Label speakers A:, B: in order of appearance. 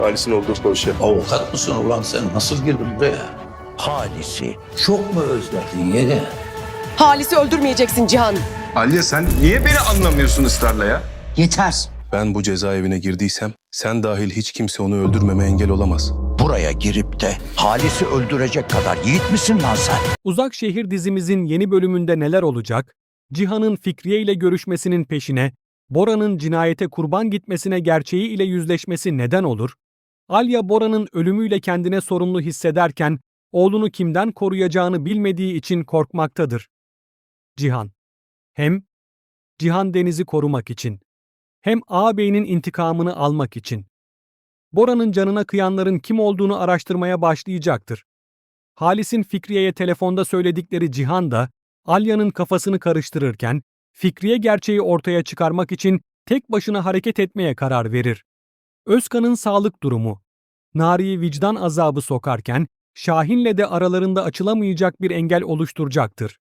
A: Halis'in olduğu dosya.
B: Avukat mısın ulan sen? Nasıl girdin buraya?
C: Halisi çok mu özledin yenge?
D: Halis'i öldürmeyeceksin Cihan.
A: Aliye sen niye beni anlamıyorsun ısrarla ya?
D: Yeter.
A: Ben bu cezaevine girdiysem sen dahil hiç kimse onu öldürmeme engel olamaz.
C: Buraya girip de Halis'i öldürecek kadar yiğit misin lan sen?
E: Uzak Şehir dizimizin yeni bölümünde neler olacak? Cihan'ın Fikriye ile görüşmesinin peşine, Bora'nın cinayete kurban gitmesine gerçeği ile yüzleşmesi neden olur? Alya Bora'nın ölümüyle kendine sorumlu hissederken oğlunu kimden koruyacağını bilmediği için korkmaktadır. Cihan. Hem Cihan Deniz'i korumak için, hem ağabeyinin intikamını almak için. Bora'nın canına kıyanların kim olduğunu araştırmaya başlayacaktır. Halis'in Fikriye'ye telefonda söyledikleri Cihan da Alya'nın kafasını karıştırırken Fikriye gerçeği ortaya çıkarmak için tek başına hareket etmeye karar verir. Özkan'ın sağlık durumu, Nari'yi vicdan azabı sokarken Şahin'le de aralarında açılamayacak bir engel oluşturacaktır.